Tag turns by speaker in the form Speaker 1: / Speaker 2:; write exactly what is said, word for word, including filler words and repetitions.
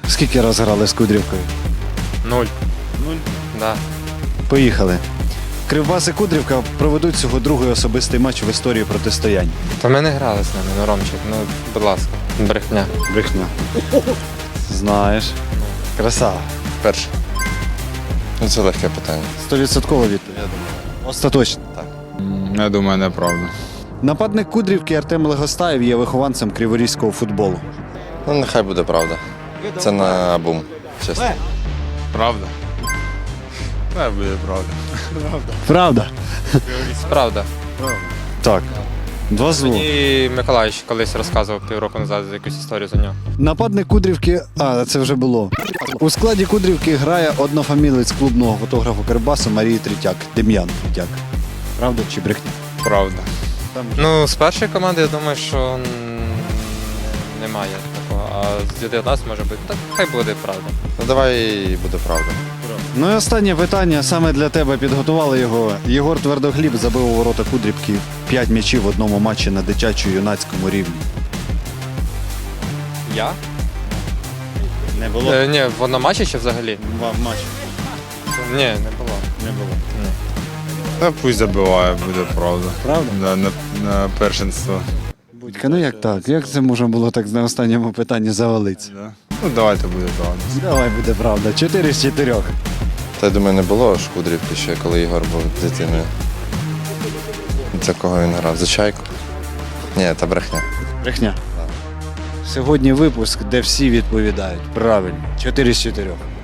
Speaker 1: Скільки раз грали з Кудрівкою?
Speaker 2: Нуль.
Speaker 1: Нуль.
Speaker 2: Да.
Speaker 1: Поїхали. Кривбас і Кудрівка проведуть цього другий особистий матч в історії протистоянь.
Speaker 2: Та ми не грали з ними, ну Ромчик, ну будь ласка. Брехня.
Speaker 1: Брехня. Знаєш. Красава.
Speaker 3: Перше. Ну, це легке питання.
Speaker 1: Стовідсоткова відповідь. Остаточно.
Speaker 3: Так.
Speaker 4: Я думаю, неправда.
Speaker 1: Нападник Кудрівки Артем Легостаєв є вихованцем криворізького футболу.
Speaker 3: Ну, нехай буде правда. Це на бум, чесно.
Speaker 4: Правда? Не буде правда.
Speaker 1: Правда?
Speaker 2: Правда.
Speaker 1: Так. Два зло.
Speaker 2: Мені Миколаївич колись розказував півроку назад якусь історію за нього.
Speaker 1: Нападник Кудрівки, а це вже було. У складі Кудрівки грає однофамілець клубного фотографа Кривбасу Марії Третяк, Дем'ян Третяк. Правда чи брехня?
Speaker 4: Правда.
Speaker 2: Ну, з першої команди я думаю, що м, немає такого. А з дев'ятнадцять може бути. Так хай буде правда.
Speaker 3: Ну, давай буде правда.
Speaker 1: Ну і останнє питання саме для тебе підготували його. Єгор Твердохліб забив у ворота Кудрівки п'ять м'ячів в одному матчі на дитячо-юнацькому рівні.
Speaker 2: Я?
Speaker 1: Не було?
Speaker 2: Е, ні, в одному матчі чи взагалі?
Speaker 1: В матчі.
Speaker 2: Ні, не було.
Speaker 1: Не було.
Speaker 2: Ні.
Speaker 4: Та пусть забиває, буде правда.
Speaker 1: Правда?
Speaker 4: Да, на, на першинство.
Speaker 1: Будька, ну як так? Як це можна було так на останньому питанні завалитися?
Speaker 4: Да. Ну давайте буде правда.
Speaker 1: Давай буде правда. Чотири з чотирьох.
Speaker 3: Та я думаю, не було Шкудрівки ще, коли Ігор був дитиною. За кого він грав? За чайку? Ні, та брехня.
Speaker 1: Брехня. Сьогодні випуск, де всі відповідають правильно. Чотири з чотирьох.